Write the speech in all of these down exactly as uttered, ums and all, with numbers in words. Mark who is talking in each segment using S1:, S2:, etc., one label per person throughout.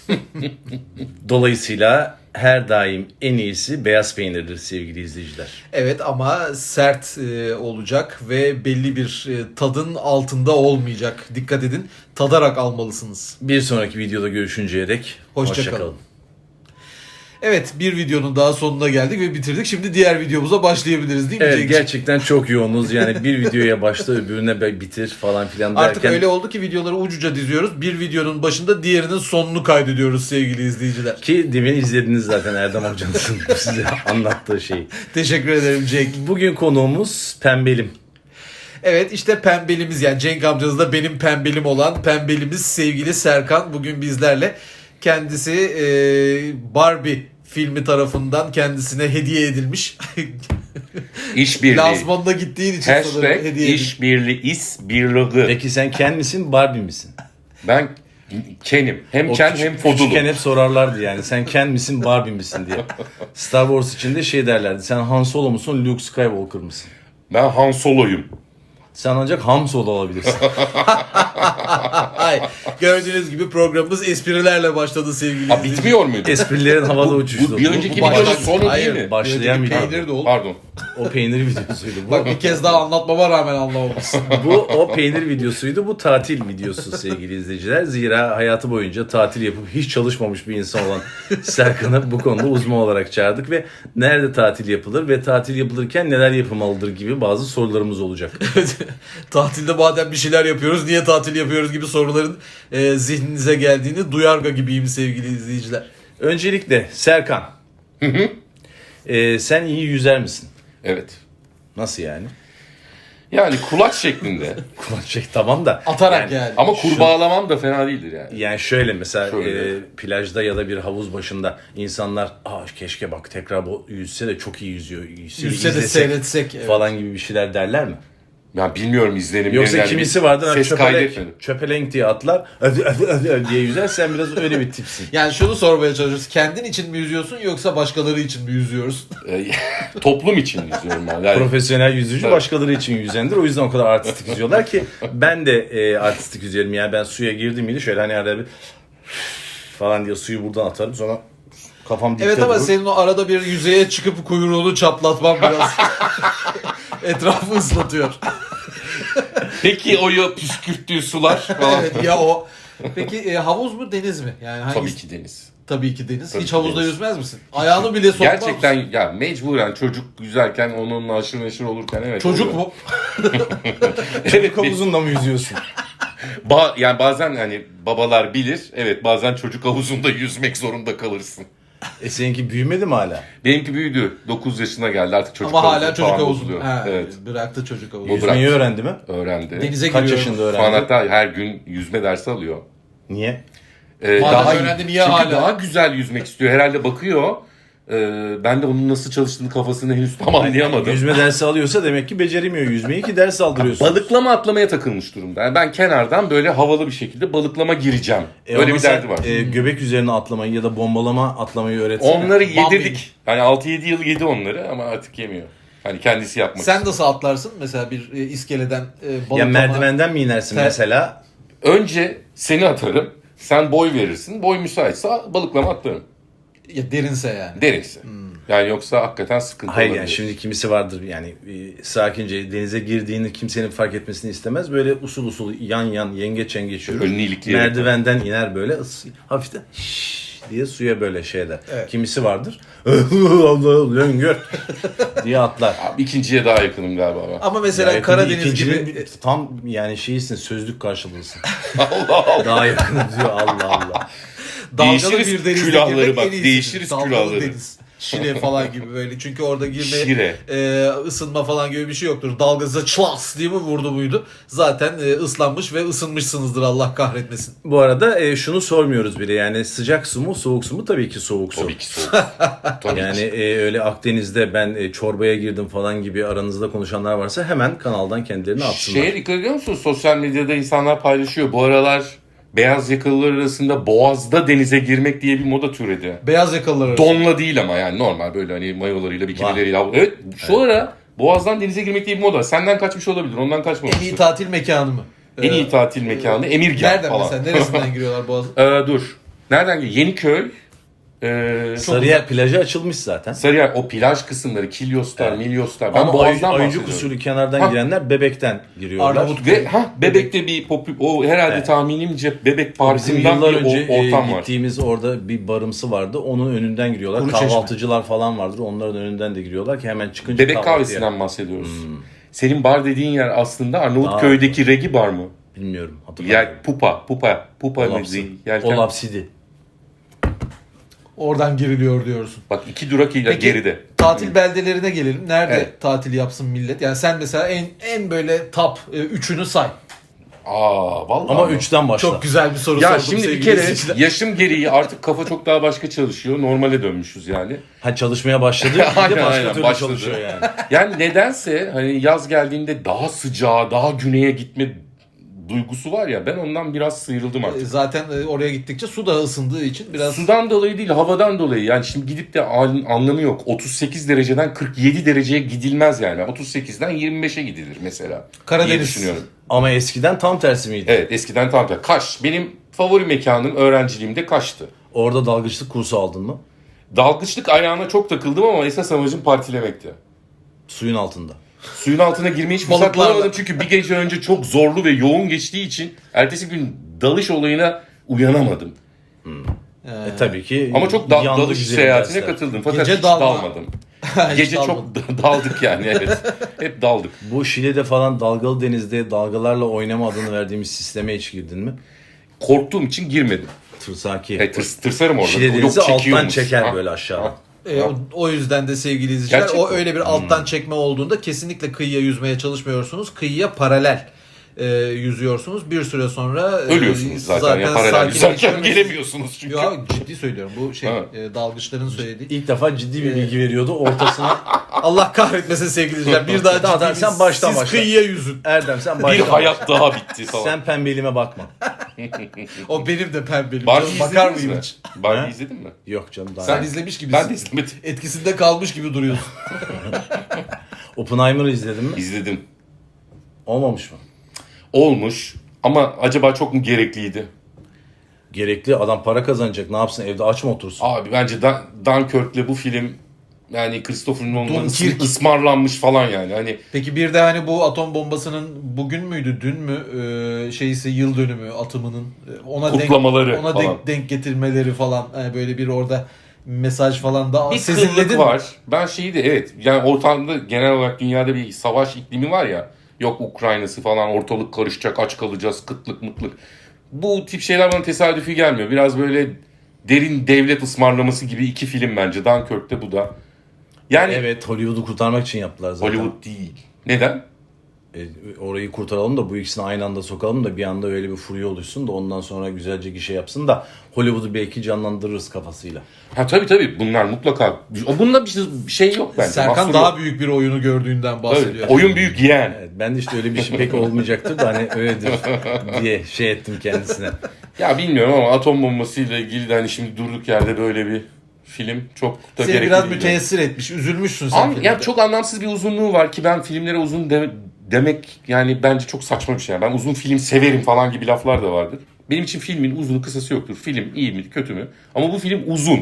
S1: Dolayısıyla her daim en iyisi beyaz peynirdir sevgili izleyiciler.
S2: Evet ama sert e, olacak ve belli bir e, tadın altında olmayacak. Dikkat edin. Tadarak almalısınız.
S1: Bir sonraki videoda görüşünceye dek
S2: Hoşça
S1: hoşça
S2: kalın.
S1: kalın.
S2: Evet, bir videonun daha sonuna geldik ve bitirdik. Şimdi diğer videomuza başlayabiliriz değil mi?
S1: Evet,
S2: Cenk'ciğim?
S1: gerçekten çok yoğunuz. Yani bir videoya başla öbürüne be- bitir falan filan derken.
S2: Artık öyle oldu ki videoları ucuca diziyoruz. Bir videonun başında diğerinin sonunu kaydediyoruz sevgili izleyiciler.
S1: Ki demin izlediniz zaten Erdem Hoca'nın size anlattığı şeyi.
S2: Teşekkür ederim Cenk.
S1: Bugün konuğumuz Pembelim.
S2: Evet, işte pembelimiz, yani Cenk amcanız da benim pembelim olan pembelimiz sevgili Serkan bugün bizlerle. Kendisi e, Barbie filmi tarafından kendisine hediye edilmiş.
S3: İşbirliği.
S2: Lansmanına gittiğin için sanırım
S3: Hashtag
S2: hediye edilmiş.
S3: işbirliği, isbirliği.
S1: Peki sen Ken misin, Barbie misin?
S3: Ben Ken'im. Hem
S1: O
S3: Ken
S1: küçük-
S3: hem Fodulu.
S1: Küçükken hep sorarlardı yani. Sen Ken misin, Barbie misin diye. Star Wars için de şey derlerdi. Sen Han Solo musun, Luke Skywalker mısın?
S3: Ben Han Solo'yum.
S1: Sen ancak Han Solo olabilirsin.
S2: Ay, gördüğünüz gibi programımız esprilerle başladı sevgili
S3: Ha,
S2: izleyiciler.
S3: bitmiyor muydu?
S1: Esprilerin havada uçuştu.
S3: Bu bir önceki
S2: Bu
S3: videonun
S2: başladı.
S3: sonu
S2: Hayır,
S3: değil mi?
S1: Başlayan
S2: bir
S1: video.
S2: peynir de oldu.
S3: Pardon.
S1: O peynir videosuydu. Bu,
S2: Bak bir kez daha anlatmama rağmen anlamamışsın.
S1: bu o peynir videosuydu. Bu tatil videosu sevgili izleyiciler. Zira hayatı boyunca tatil yapıp hiç çalışmamış bir insan olan Serkan'ı bu konuda uzman olarak çağırdık ve nerede tatil yapılır ve tatil yapılırken neler yapılmalıdır gibi bazı sorularımız olacak.
S2: Tatilde madem bir şeyler yapıyoruz, niye tatil yapıyoruz gibi soruların e, zihninize geldiğini duyarga gibiyim sevgili izleyiciler.
S1: Öncelikle Serkan. Ee, sen iyi yüzer misin?
S3: Evet.
S1: Nasıl yani?
S3: Yani kulaç şeklinde.
S1: Kulak çek tamam da.
S2: Atarak yani.
S3: Ama kurbağalamam da fena değildir yani.
S1: Yani şöyle mesela
S3: Şöyle.
S1: e, plajda ya da bir havuz başında insanlar Aa, keşke bak tekrar bu yüzse de çok iyi yüzüyor. Yüzse,
S2: Yüzse de
S1: izlesek
S2: seyretsek. Evet.
S1: falan gibi bir şeyler derler mi?
S3: Ya bilmiyorum izlenimleri.
S1: Yoksa
S3: yani
S1: kimisi
S3: bir
S1: vardır
S3: Ses
S1: çöpelenk,
S3: kaydetmedim.
S1: çöpelenk diye atlar ödü, ödü, ödü diye yüzer, sen biraz öyle bir tipsin.
S2: Yani şunu sormaya çalışıyoruz. Kendin için mi yüzüyorsun yoksa başkaları için mi yüzüyoruz?
S3: Ee, Toplum için izliyorum ben. Yani
S1: Profesyonel yüzücü
S3: Tabii.
S1: başkaları için yüzendir. O yüzden o kadar artistik yüzüyorlar ki ben de e, artistik yüzerim. Yani ben suya girdim miydi şöyle hani arada bir falan diye suyu buradan atarım, sonra kafam dipte
S2: Evet ama
S1: durur.
S2: senin o arada bir yüzeye çıkıp kuyruğunu çaplatman biraz etrafı ıslatıyor.
S3: Peki o ya püskürttüğü sular falan.
S2: Evet ya o. Peki e, havuz mu deniz mi? Yani hangisi?
S3: Tabii ki deniz.
S2: Tabii ki deniz.
S3: Tabii
S2: Hiç
S3: ki
S2: havuzda
S3: deniz.
S2: yüzmez misin? Ayağını bile sokmaz
S3: Gerçekten
S2: mısın?
S3: ya mecburen çocuk yüzerken onunla aşırı neşir olurken evet.
S2: Çocuk
S3: oluyor.
S2: mu?
S3: Evet, bir-
S1: Havuzunda mı yüzüyorsun?
S3: ba- yani bazen hani babalar bilir. Evet bazen çocuk havuzunda yüzmek zorunda kalırsın.
S1: E seninki büyümedi mi hala?
S3: Benimki büyüdü. dokuz yaşına geldi artık çocuk
S2: Ama
S3: havuzu
S2: hala çocuk
S3: falan
S2: havuzu.
S3: bozuluyor.
S2: Ha,
S3: Evet.
S2: Bıraktı çocuk havuzu.
S3: Bu
S1: Yüzmeyi
S3: bırak.
S1: öğrendi mi?
S3: Öğrendi.
S2: Denize
S1: Kaç
S2: giriyor.
S1: yaşında
S3: Şu an
S1: öğrendi?
S3: hatta her gün yüzme dersi alıyor.
S1: Niye?
S3: Ee,
S2: Madem
S3: daha
S2: öğrendi, niye
S3: çünkü
S2: hala?
S3: daha güzel yüzmek istiyor. Herhalde bakıyor. Ee, ben de onun nasıl çalıştığını kafasını henüz tam anlayamadım.
S1: Yüzme dersi alıyorsa demek ki beceremiyor yüzmeyi ki ders aldırıyorsun.
S3: Balıklama atlamaya takılmış durumda. Yani ben kenardan böyle havalı bir şekilde balıklama gireceğim.
S1: E
S3: Öyle
S1: ama
S3: bir
S1: sen,
S3: derdi var.
S1: e, göbek üzerine atlamayı ya da bombalama atlamayı öğretsene.
S3: Onları
S2: Bambi.
S3: yedirdik. Yani altı yedi yıl yedi onları ama artık yemiyor. Hani kendisi yapmak
S2: Sen
S3: istiyor.
S2: nasıl atlarsın? Mesela bir e, iskeleden e, balıklama.
S1: Ya merdivenden mi inersin
S2: Ter-
S1: mesela?
S3: Önce seni atarım. Sen boy verirsin. Boy müsaitse balıklama atlarım.
S2: Ya derinse yani.
S3: Derinse. Yani yoksa hakikaten sıkıntı
S1: Hayır
S3: olabilir.
S1: yani şimdi kimisi vardır yani e, sakince denize girdiğini kimsenin fark etmesini istemez. Böyle usul usul yan yan yengeç yengeç yürür.
S3: Önünü ilikleyerek.
S1: Merdivenden iner böyle ıs, hafiften şşş diye suya böyle şey eder.
S2: Evet.
S1: Kimisi vardır. Allah löngör diye atlar.
S3: Abi, ikinciye daha yakınım galiba ben.
S2: Ama mesela
S1: Ya yakın değil,
S2: Karadeniz
S1: ikincinin
S2: gibi
S1: bir- tam yani şeysin, sözlük karşılığısın.
S3: Allah Allah.
S1: Daha yakın diyor, Allah Allah.
S2: dalgalı
S3: Değişiriz
S2: bir denizde
S3: külahları
S2: girmek
S3: bak,
S2: en iyisidir.
S3: değişiriz
S2: Dalgalı
S3: külahları.
S2: deniz. Şile falan gibi böyle. Çünkü orada girme,
S3: Şire.
S2: e, ısınma falan gibi bir şey yoktur. Dalgası çlas diye mi vurdu muydu? Zaten e, ıslanmış ve ısınmışsınızdır, Allah kahretmesin.
S1: Bu arada e, şunu sormuyoruz bile, yani sıcak su mu soğuk su mu? Tabii ki soğuk su.
S3: Tabii ki soğuk. Tabii
S1: Yani
S3: ki.
S1: e, öyle Akdeniz'de ben e, çorbaya girdim falan gibi aranızda konuşanlar varsa hemen kanaldan kendilerini atsınlar.
S3: Şeye dikkat ediyor musunuz? Sosyal medyada insanlar paylaşıyor. Bu aralar beyaz yakalılar arasında Boğaz'da denize girmek diye bir moda türedi.
S2: Beyaz yakalılar arasında.
S3: Donla değil ama yani normal böyle hani mayolarıyla, bikinileriyle. Evet şu ara Boğaz'dan denize girmek diye bir moda. Senden kaçmış olabilir, ondan
S2: En
S3: kaçmamıştır.
S2: iyi tatil mekanı mı?
S3: En iyi
S2: Ee,
S3: tatil mekanı Emirgan
S2: Nereden
S3: falan.
S2: mesela? Neresinden giriyorlar Boğaz'a?
S3: Ee, dur. Nereden geliyor? Yeniköy. E,
S1: Sarıyer plajı açılmış zaten.
S3: Sarıyer o plaj kısımları Kilyoslar,
S1: Evet.
S3: Milyoslar. Ben
S1: Ama
S3: Boğaz'dan
S1: Ayıcık
S3: bahsediyorum.
S1: usulü kenardan
S3: Ha.
S1: girenler Bebek'ten giriyorlar.
S2: Arnavut-
S3: Ve ha Bebek'te bir popü, o herhalde
S1: Evet.
S3: tahminimce Bebek
S1: Bizim
S3: Parkı'ndan
S1: yıllar
S3: bir
S1: önce
S3: o- ortam
S1: e,
S3: var.
S1: gittiğimiz orada bir barımsı vardı. Onun önünden giriyorlar.
S2: Kuru Çeşme.
S1: Kahvaltıcılar falan vardır. Onların önünden de giriyorlar ki hemen çıkınca
S3: Bebek
S1: kahvaltıya.
S3: kahvesinden bahsediyoruz. Senin bar dediğin yer aslında Arnavutköy'deki Regi bar mı?
S1: Bilmiyorum. Hatırlamıyorum.
S3: Yer Pupa, Pupa, Pupa mı
S1: Olapsi.
S3: değil? Yelken.
S1: Olapsidi.
S2: Oradan giriliyor diyorsun.
S3: Bak iki durak ile
S2: Peki,
S3: geride.
S2: tatil beldelerine gelelim. Nerede
S3: Evet.
S2: tatil yapsın millet? Yani sen mesela en en böyle top e, üçünü say.
S3: Aa vallahi.
S1: Ama
S3: mi?
S1: üçten başla.
S2: Çok güzel bir soru
S3: Ya
S2: sordum
S3: şimdi bir
S2: sevgili
S3: kere
S2: izleyiciler.
S3: yaşım gereği artık kafa çok daha başka çalışıyor. Normale dönmüşüz yani.
S1: Ha çalışmaya başladı. Bir de
S3: Aynen,
S1: başka
S3: aynen,
S1: türlü
S3: başladı.
S1: çalışıyor yani.
S3: Yani nedense hani yaz geldiğinde daha sıcağa, daha güneye gitme duygusu var ya, ben ondan biraz sıyrıldım
S2: E,
S3: artık.
S2: Zaten e, oraya gittikçe su da ısındığı için biraz
S3: Sudan dolayı değil, havadan dolayı. Yani şimdi gidip de an- anlamı yok. otuz sekiz dereceden kırk yedi dereceye gidilmez yani. otuz sekizden yirmi beşe gidilir mesela.
S2: Karadeniz.
S3: diye düşünüyorum.
S1: Ama eskiden tam tersi miydi?
S3: Evet, eskiden tam tersi. Kaş. Benim favori mekanım öğrenciliğimde Kaş'tı.
S1: Orada dalgıçlık kursu aldın mı?
S3: Dalgıçlık ayağına çok takıldım ama esas amacım partilemekti.
S1: Suyun altında.
S3: Suyun altına girmeyi hiç fırsat
S2: Balıklarla.
S3: bulamadım çünkü bir gece önce çok zorlu ve yoğun geçtiği için ertesi gün dalış olayına uyanamadım.
S1: E tabii ki.
S3: Ama çok da-
S1: yandı
S3: dalış
S1: güzelim
S3: seyahatine
S1: dersler.
S3: katıldım fakat
S2: Gece
S3: hiç
S2: dalma.
S3: dalmadım.
S2: Hiç
S3: Gece
S2: dalmadım.
S3: çok daldık yani, evet. Hep daldık.
S1: Bu Şile'de falan dalgalı denizde dalgalarla oynama adını verdiğimiz sisteme hiç girdin mi?
S3: Korktuğum için girmedim.
S1: Tırsaki.
S3: Evet, tırs, tırsarım orada.
S1: Şile
S3: Yok,
S1: denizi alttan
S3: çekiyormuş.
S1: çeker
S3: Ha,
S1: böyle aşağı.
S3: ha.
S2: E, o, o yüzden de sevgili izleyiciler
S3: Gerçek
S2: o
S3: mi?
S2: öyle bir alttan çekme olduğunda kesinlikle kıyıya yüzmeye çalışmıyorsunuz. Kıyıya paralel e, yüzüyorsunuz. Bir süre sonra e,
S3: Ölüyorsunuz zaten, ya paralel yüzerken
S2: sakinleştirmesi-
S3: gelemiyorsunuz çünkü.
S2: Ya ciddi söylüyorum. Bu şey
S3: Ha.
S2: e, dalgıçların söylediği.
S1: İlk defa ciddi bir bilgi veriyordu. Ortasına
S2: Allah kahretmesin sevgili izleyiciler. Bir daha
S1: Tamam,
S2: ciddi
S1: sen
S2: bir-
S1: baştan
S2: siz
S1: başla.
S2: kıyıya yüzün.
S1: Erdem sen
S3: Bir
S1: başla.
S3: hayat daha bitti falan.
S1: Sen pembeliğime bakma.
S2: O benim de pembelim.
S3: Barbie
S2: Canım, bakar
S3: izlediniz
S2: mıyım
S3: mi?
S2: hiç?
S3: Barbie
S1: Ha?
S3: izledin mi?
S1: Yok canım daha.
S2: Sen
S1: Sen
S2: izlemiş gibisin.
S3: Ben de izlemedim.
S2: Etkisinde kalmış gibi duruyorsun.
S1: Oppenheimer'ı izledin mi?
S3: İzledim.
S1: Olmamış mı?
S3: Olmuş ama acaba çok mu gerekliydi?
S1: Gerekli adam para kazanacak. Ne yapsın evde aç mı otursun?
S3: Abi bence Dan Dunkirk'le bu film yani Christopher Nolan'ın
S2: Dunkirk.
S3: ısmarlanmış falan yani. Hani
S2: Peki bir de hani bu atom bombasının bugün müydü, dün mü e, şeysi yıl dönümü atımının e, ona
S3: Kutlamaları
S2: denk, ona
S3: falan.
S2: denk, denk getirmeleri falan yani böyle bir orada mesaj falan da
S3: bir
S2: sezinledin
S3: kıllık
S2: mi?
S3: var. Ben şeyi de evet yani ortamda genel olarak dünyada bir savaş iklimi var ya. Yok Ukrayna'sı falan, ortalık karışacak, aç kalacağız, kıtlık mıtlık. Bu tip şeyler bana tesadüfi gelmiyor. Biraz böyle derin devlet ısmarlaması gibi iki film bence. Dunkirk'te bu da. Yani
S1: Evet, Hollywood'u kurtarmak için yaptılar zaten.
S3: Hollywood değil. Neden?
S1: E, orayı kurtaralım da bu ikisini aynı anda sokalım da bir anda öyle bir furya oluşsun da ondan sonra güzelce gişe yapsın da Hollywood'u belki canlandırırız kafasıyla.
S3: Ha tabii tabii bunlar mutlaka. Bunda bir şey- bir şey yok bence.
S2: Serkan
S3: Mahsur
S2: daha
S3: yok.
S2: büyük bir oyunu gördüğünden bahsediyor.
S3: Evet, oyun büyük yeğen.
S1: Evet, ben de işte öyle bir şey pek olmayacaktır da hani öyledir diye şey ettim kendisine.
S3: Ya bilmiyorum ama atom bombasıyla ilgili de hani şimdi durduk yerde böyle bir film çok da
S2: Seni
S3: gerekli
S2: biraz
S3: değil.
S2: müteessir etmiş, üzülmüşsün sen.
S3: An,
S2: filmde.
S3: ya çok anlamsız bir uzunluğu var ki ben filmlere uzun de- demek yani bence çok saçma bir şey. Ben uzun film severim falan gibi laflar da vardır. Benim için filmin uzunu kısası yoktur. Film iyi mi kötü mü? Ama bu film uzun.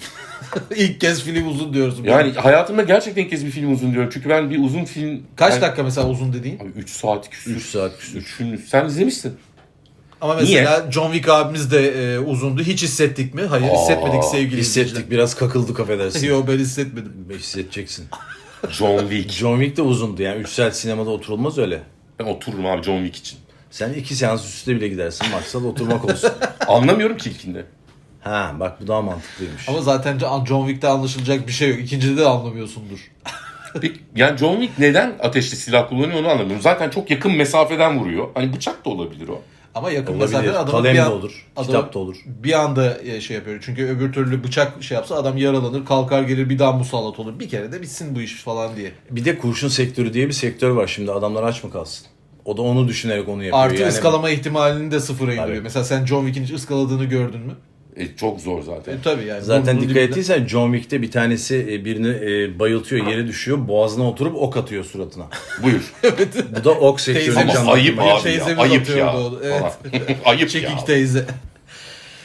S2: İlk kez film uzun diyorsun.
S3: Yani hayatımda gerçekten ilk kez bir film uzun diyorum. Çünkü ben bir uzun film...
S2: Kaç
S3: yani,
S2: dakika mesela uzun dediğin?
S3: üç saat küsür.
S1: üç saat küsür.
S3: Üçün- Sen izlemişsin.
S2: Ama mesela John Wick abimiz de e, uzundu. Hiç hissettik mi? Hayır,
S3: Aa,
S2: hissetmedik sevgili
S1: Hissettik, biraz kakıldık affedersin.
S2: Yok ben hissetmedim.
S1: Hissedeceksin.
S3: John Wick.
S1: John Wick de uzundu yani üç saat sinemada oturulmaz öyle.
S3: Ben otururum abi John Wick için.
S1: Sen iki seans üstte bile gidersin maksat oturmak olsun.
S3: Anlamıyorum ki ilkinde.
S1: Ha bak bu daha mantıklıymış.
S2: Ama zaten John Wick'te anlaşılacak bir şey yok. İkincide de anlamıyorsundur.
S3: Peki, yani John Wick neden ateşli silah kullanıyor onu anlamıyorum. Zaten çok yakın mesafeden vuruyor. Hani bıçak da olabilir o.
S2: Ama yakın
S1: Olabilir.
S2: mesafede adamın
S1: Kalem
S2: bir
S1: de
S2: an,
S1: olur,
S2: adamı
S1: kitap da olur.
S2: bir anda e, şey yapıyor. Çünkü öbür türlü bıçak şey yapsa adam yaralanır, kalkar gelir bir daha musallat olur. Bir kere de bitsin bu iş falan diye.
S1: Bir de kurşun sektörü diye bir sektör var şimdi adamlar aç mı kalsın? O da onu düşünerek onu yapıyor.
S2: Artı
S1: yani,
S2: ıskalama ihtimalini de sıfıra indiriyor.
S1: Tabii.
S2: Mesela sen John Wick'in hiç ıskaladığını gördün mü?
S3: E, çok zor zaten.
S2: E tabii yani.
S1: Zaten
S2: burnunun
S1: dikkat
S2: dibinde.
S1: ettiysen John Wick'te bir tanesi e, birini e, bayıltıyor, yere düşüyor, boğazına oturup ok atıyor suratına.
S3: Buyur.
S1: Bu da ok sektörünü
S2: Teyzemiz-
S3: Ama
S1: canlandırmaya
S3: ayıp
S2: Benim
S3: abi
S2: teyzemiz
S3: ya. Ayıp
S2: atıyordu
S3: ya.
S2: onu, evet.
S3: Falan. Ayıp
S2: Çekik
S3: ya.
S2: teyze.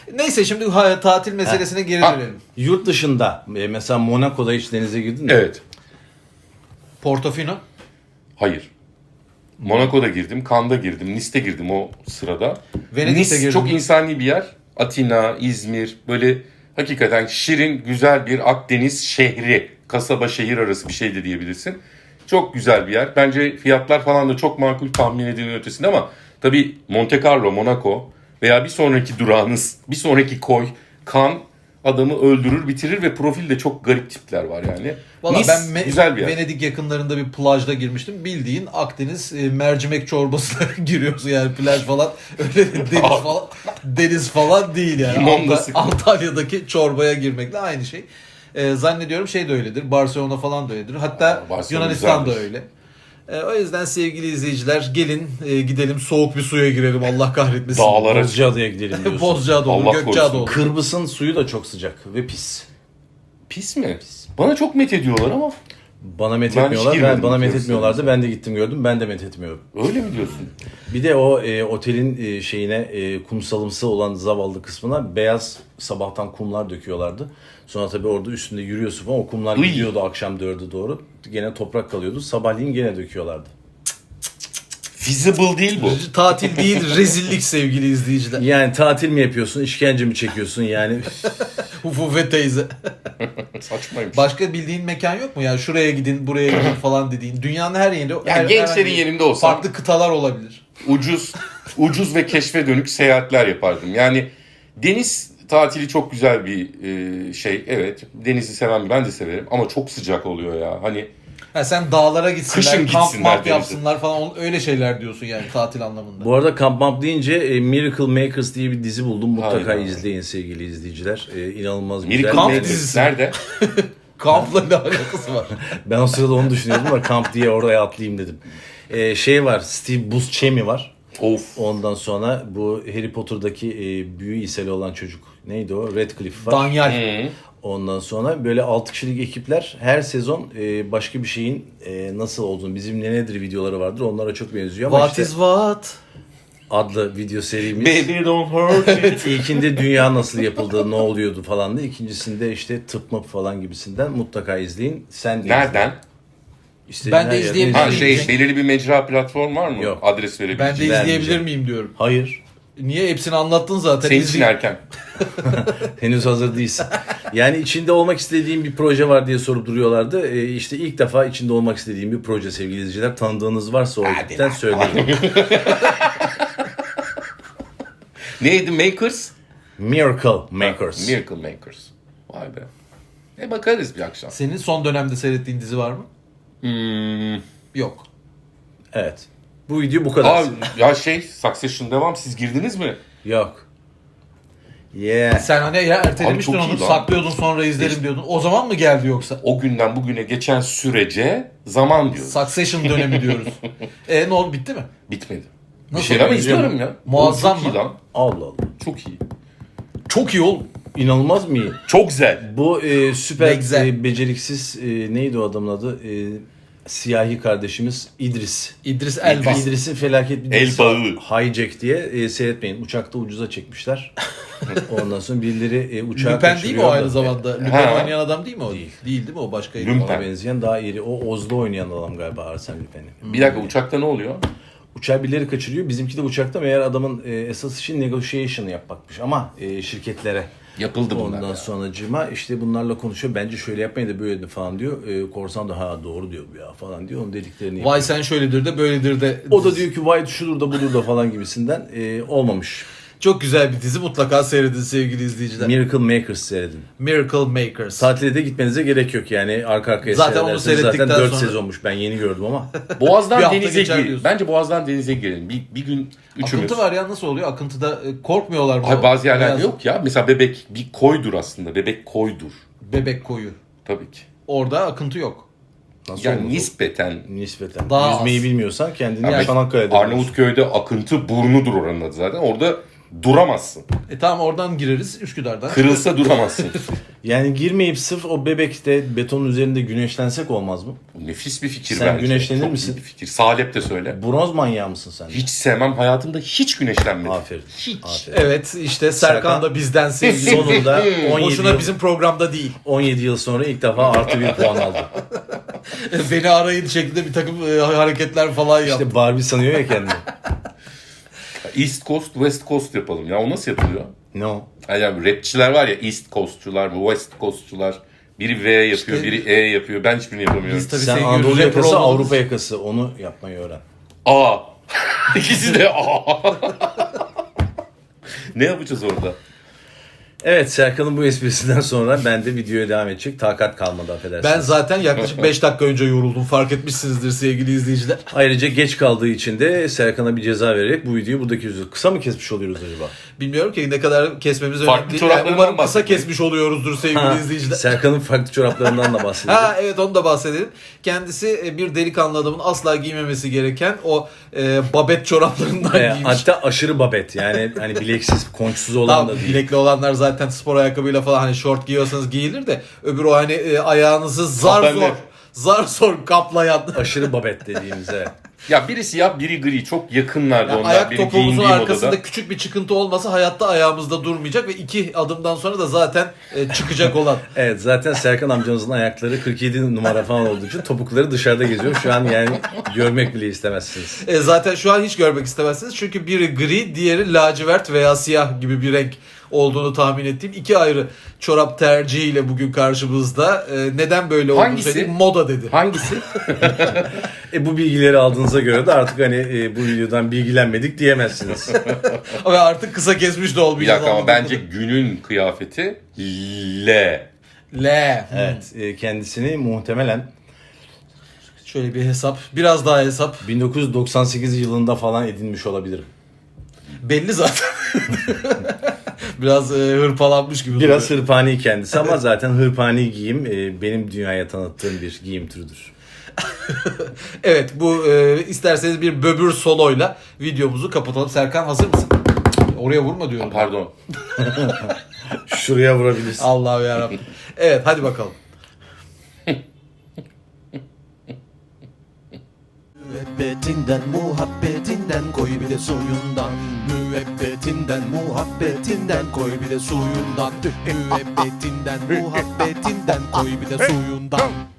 S2: Neyse şimdi ha, tatil meselesine geri
S3: Ha.
S2: dönelim.
S1: Yurt dışında e, mesela Monaco'da hiç denize girdin mi?
S3: Evet.
S2: Portofino.
S3: Hayır. Monaco'da girdim, Cannes'da girdim, Nice'te girdim o sırada.
S2: Venedik'te
S3: Nice
S2: girdin
S3: çok
S2: mi?
S3: insani bir yer. Atina, İzmir böyle hakikaten şirin, güzel bir Akdeniz şehri. Kasaba şehir arası bir şey de diyebilirsin. Çok güzel bir yer. Bence fiyatlar falan da çok makul, tahmin edilenin ötesinde ama tabii Monte Carlo, Monaco veya bir sonraki durağınız, bir sonraki koy, Cannes adamı öldürür, bitirir ve profilde çok garip tipler var yani.
S2: Valla
S3: Nice
S2: ben Me-
S3: güzel bir yer.
S2: Venedik yakınlarında bir plajda girmiştim. Bildiğin Akdeniz e, mercimek çorbasına giriyorsun yani plaj falan. Öyle deniz falan deniz falan değil yani.
S3: Limon da
S2: Anta-
S3: sıkı.
S2: Antalya'daki çorbaya girmekle aynı şey. E, zannediyorum şey de öyledir. Barcelona falan da öyledir. Hatta
S3: Aa, Barcelona
S2: Yunanistan da
S3: güzeldir.
S2: öyle. E, o yüzden sevgili izleyiciler gelin e, gidelim soğuk bir suya girelim Allah kahretmesin.
S3: Dağlara
S1: Bozcaada'ya gidelim diyorsun.
S2: Bozcaada olur,
S3: Allah
S2: Gökçeada
S3: korusun.
S2: olur.
S1: Kırbıs'ın suyu da çok sıcak ve pis.
S3: Pis mi? Bana çok met ediyorlar ama
S1: Bana met
S3: Ben hiç
S1: etmiyorlar. Ben,
S3: girmedim
S1: bana met
S3: biliyorsun.
S1: etmiyorlardı. Ben de gittim gördüm. Ben de met etmiyorum.
S3: öyle mi diyorsun?
S1: Bir de o e, otelin e, şeyine e, kumsalımsı olan zavallı kısmına beyaz sabahtan kumlar döküyorlardı. Sonra tabii orada üstünde yürüyorsun falan o kumlar
S3: Iy.
S1: gidiyordu akşam dörde doğru. Gene toprak kalıyordu. Sabahleyin gene döküyorlardı.
S3: Feasible değil bu.
S2: Tatil değil rezillik sevgili izleyiciler.
S1: Yani tatil mi yapıyorsun, işkence mi çekiyorsun yani?
S2: Ufufe teyze.
S3: Saçmaymış.
S2: Başka bildiğin mekan yok mu? Yani şuraya gidin, buraya gidin falan dediğin. Dünyanın her yerinde. her,
S3: gençlerin
S2: herhangi-
S3: yerinde olsam-
S2: Farklı kıtalar olabilir.
S3: ucuz ucuz ve keşfe dönük seyahatler yapardım. Yani deniz tatili çok güzel bir e, şey. Evet, denizi seven ben de severim ama çok sıcak oluyor ya. Hani
S2: Ha, sen dağlara gitsinler,
S3: Kışın
S2: kamp
S3: gitsinler
S2: mamp
S3: denize.
S2: yapsınlar falan on- öyle şeyler diyorsun yani tatil anlamında.
S1: Bu arada Camp Mamp deyince e, Miracle Makers diye bir dizi buldum. Mutlaka
S3: Hayda.
S1: izleyin sevgili izleyiciler. E, inanılmaz güzel.
S3: Miracle
S2: Kamp
S1: Ben-
S3: Makers
S2: dizisi.
S3: nerede?
S2: Kampla ne alakası var?
S1: Ben o sırada onu düşünüyordum ama kamp diye oraya atlayayım dedim. E, şey var, Steve Buscemi var.
S3: Of.
S1: Ondan sonra bu Harry Potter'daki e, büyü iseli olan çocuk. Neydi o? Radcliffe var.
S2: Danyal.
S3: Hı.
S1: Ondan sonra böyle altı kişilik ekipler her sezon e, başka bir şeyin e, nasıl olduğunu, bizim ne nedir videoları vardır. Onlara çok benziyor ama
S2: What
S1: işte
S2: is what?
S1: adlı video serimiz.
S3: Baby don't hurt me.
S1: İlkinde dünya nasıl yapıldı, ne oluyordu falan da. İkincisinde işte tıp mıp falan gibisinden mutlaka izleyin. Sen de izle.
S3: Nereden?
S1: İstediğin
S2: Ben de
S1: her yerden
S2: izleyebilirim.
S3: Ha
S1: izle.
S3: şey
S2: Cenk-
S3: belirli bir mecra platform var mı?
S1: Yok.
S3: Adres verebileceğim.
S2: Ben de izleyebilir
S1: vermeyeceğim.
S2: miyim diyorum.
S1: Hayır.
S2: Niye? Hepsini anlattın zaten.
S3: Senin için
S2: İzley-
S3: erken.
S1: Henüz hazır değilsin. Yani içinde olmak istediğim bir proje var diye sorup duruyorlardı. E, işte ilk defa içinde olmak istediğim bir proje sevgili izleyiciler. Tanıdığınız varsa o ekipten söyleyin.
S3: Neydi? Makers?
S1: Miracle Makers.
S3: Miracle Makers. Vay be. E bakarız bir akşam.
S2: Senin son dönemde seyrettiğin dizi var mı?
S3: Hmm.
S2: Yok.
S1: Evet. Bu video bu kadar.
S3: Aa, ya şey Succession devam. Siz girdiniz mi?
S1: Yok. Yeah.
S2: Sen hani ya ertelemiştin
S3: Abi çok
S2: onu,
S3: iyi lan.
S2: saklıyordun sonra izlerim
S3: İşte-
S2: diyordun. O zaman mı geldi yoksa?
S3: O günden bugüne geçen sürece zaman diyoruz.
S2: Succession dönemi diyoruz. E ne oldu, bitti mi?
S3: Bitmedi.
S2: Nasıl
S3: bir şeyler ama
S1: benziyor
S3: izliyorum ya.
S2: Muazzam
S3: Oğlum çok
S2: mı?
S3: iyi lan.
S1: Allah Allah.
S3: Çok iyi.
S2: Çok iyi oğlum.
S1: İnanılmaz mı iyi?
S3: Çok güzel.
S1: Bu e, süper
S2: Ne güzel.
S1: e, beceriksiz e, neydi o adamın adı? E, siyahi kardeşimiz İdris.
S2: İdris Elba.
S3: İdris.
S1: İdris'in felaket bir
S3: El
S1: dizisi
S3: bağı.
S1: var. Hijack diye e, seyretmeyin. Uçakta ucuza çekmişler. Ondan sonra birileri e, uçağı
S2: Lüpen değil mi
S1: kaçırıyor
S2: o
S1: da-
S2: aynı zamanda? Lüpen
S3: Ha.
S2: oynayan adam değil mi o?
S1: Değil.
S2: Değil değil mi o başkaydı?
S3: Lüpen.
S1: Ona benzeyen daha iri. O Oz'da oynayan adam galiba Arsene Lupin'i.
S3: Bir dakika uçakta ne oluyor?
S1: Uçağı birileri kaçırıyor. Bizimki de uçakta meğer adamın e, esas işi negotiation yapmakmış ama e, şirketlere.
S3: Yapıldı bunlar.
S1: Ondan
S3: ya.
S1: sonracığıma işte bunlarla konuşuyor. Bence şöyle yapmayın da böyle de falan diyor. E, korsan da ha doğru diyor bu ya falan diyor. Onun dediklerini yapıyor.
S2: Vay sen şöyledir de böyledir de.
S1: O da diyor ki vay şudur da budur da falan gibisinden e, olmamış.
S2: Çok güzel bir dizi, mutlaka seyredin sevgili izleyiciler.
S1: Miracle Makers seyredin.
S2: Miracle Makers.
S1: Tatile de gitmenize gerek yok yani arka arkaya
S2: Zaten onu
S1: seyrederseniz
S2: seyrettikten
S1: zaten dört
S2: sonra-
S1: sezonmuş ben yeni gördüm ama.
S2: Bir
S3: Boğaz'dan
S2: hafta
S3: denize
S2: geçer
S3: gir.
S2: diyorsun.
S3: Bence Boğaz'dan denize girelim. Bir, bir gün üçümüz.
S2: Akıntı var ya, nasıl oluyor? Akıntıda e, korkmuyorlar mı?
S3: Hayır, bazı yerlerde
S2: Beyaz-
S3: yok ya. Mesela Bebek bir koydur aslında. Bebek koydur.
S2: Bebek koyu.
S3: Tabii ki.
S2: Orada akıntı yok.
S1: Nasıl
S3: Yani
S1: olmaz o?
S3: nispeten.
S1: Nispeten.
S2: Daha
S1: Yüzmeyi
S2: az.
S1: bilmiyorsan kendini
S3: Yani
S1: Çanakkale'de bulursun.
S3: Arnavutköy'de akıntı burnudur oranın adı zaten. Orada duramazsın.
S2: E tamam, oradan gireriz Üsküdar'dan.
S3: Kırılsa duramazsın.
S1: Yani girmeyip sırf o bebekte betonun üzerinde güneşlensek olmaz mı?
S3: Nefis bir fikir
S1: Sen
S3: bence.
S1: güneşlenir
S3: Çok
S1: misin?
S3: iyi bir fikir. Salep de söyle.
S1: Bronz manyağı mısın sen?
S3: Hiç sevmem. Hayatımda hiç güneşlenmedim.
S1: Aferin.
S3: Hiç.
S1: Aferin.
S2: Evet işte Serkan,
S1: Serkan
S2: da bizden sevgili.
S1: Sonunda on yedi,
S2: Boşuna
S1: yıl,
S2: bizim programda değil.
S1: on yedi yıl sonra ilk defa artı bir puan aldı.
S2: Beni arayın şeklinde bir takım e, hareketler falan yaptı.
S1: İşte Barbie sanıyor ya kendini.
S3: East Coast, West Coast yapalım. Ya o nasıl yapılıyor?
S1: Ne o?
S3: Yani rapçiler var ya, East Coast'çular, West Coast'çular. Biri V yapıyor,
S2: İşte-
S3: biri E yapıyor. Ben hiçbirini yapamıyorum.
S2: Biz tabii
S1: Sen
S2: sevgili
S1: Anadolu
S2: rapper
S1: yakası,
S2: olmamız-
S1: Avrupa yakası. Onu yapmayı öğren.
S3: A. İkisi de A. Ne yapacağız orada?
S1: Evet, Serkan'ın bu esprisinden sonra ben de videoya devam edecek. Takat kalmadı, affedersiniz.
S2: Ben zaten yaklaşık beş dakika önce yoruldum. Fark etmişsinizdir sevgili izleyiciler.
S1: Ayrıca geç kaldığı için de Serkan'a bir ceza vererek bu videoyu burada kesiyoruz. Kısa mı kesmiş oluyoruz acaba?
S2: Bilmiyorum ki ne kadar kesmemiz
S3: Farklı
S2: önemli değil.
S3: çoraplarından
S2: umarım kısa
S3: bahsetmeyin.
S2: kesmiş oluyoruzdur sevgili
S1: Ha,
S2: izleyiciler.
S1: Serkan'ın farklı çoraplarından da bahsedelim.
S2: Ha evet, onu da bahsedelim. Kendisi e, bir delikanlı adamın asla giymemesi gereken o e, babet çoraplarından
S1: Ee,
S2: giymiş.
S1: hatta aşırı babet, yani hani bileksiz, konçsuz olan
S2: Tamam,
S1: da değil.
S2: bilekli olanlar zaten spor ayakkabıyla falan hani şort giyiyorsanız giyilir de öbür o hani e, ayağınızı zar
S3: Kapenli.
S2: zor zar zor kaplayan.
S1: Aşırı babet dediğimiz, evet.
S3: Ya biri siyah, biri gri. Çok yakınlardı
S2: Yani
S3: onlar.
S2: ayak
S3: Benim
S2: topuğumuzun
S3: giyindiğim
S2: arkasında
S3: odada.
S2: küçük bir çıkıntı olmasa hayatta ayağımızda durmayacak ve iki adımdan sonra da zaten e, çıkacak olan.
S1: Evet, zaten Serkan amcamızın ayakları kırk yedi numara falan olduğu için topukları dışarıda geziyor. Şu an yani görmek bile istemezsiniz.
S2: E, zaten şu an hiç görmek istemezsiniz çünkü biri gri, diğeri lacivert veya siyah gibi bir renk olduğunu tahmin ettiğim iki ayrı çorap tercihiyle bugün karşımızda. E, neden böyle olduğunu
S3: Hangisi?
S2: söyleyeyim. Moda dedi.
S3: Hangisi?
S1: E bu bilgileri aldığınıza göre de artık hani e, bu videodan bilgilenmedik diyemezsiniz.
S2: Ve artık kısa kesmiş de
S3: Bir
S2: olmayacağız.
S3: dakika ama
S2: anladığım
S3: bence günün kıyafeti L.
S2: L.
S1: Evet, e, kendisini muhtemelen
S2: Şöyle bir hesap. Biraz daha hesap.
S1: bin dokuz yüz doksan sekiz yılında falan edinmiş olabilirim.
S2: Belli zaten. Biraz e, hırpalanmış gibi.
S1: Biraz
S2: duruyor.
S1: hırpani kendisi ama zaten hırpani giyim e, benim dünyaya tanıttığım bir giyim türüdür.
S2: Evet, bu e, isterseniz bir böbür soloyla videomuzu kapatalım. Serkan hazır mısın? Oraya vurma diyorum.
S3: Pardon.
S1: Şuraya vurabilirsin.
S2: Allah'ım yarabbim. Evet, hadi bakalım.
S4: Müebbetinden muhabbetinden koy bir de suyundan. Müebbetinden muhabbetinden koy bir de suyundan. Müebbetinden muhabbetinden koy bir de suyundan.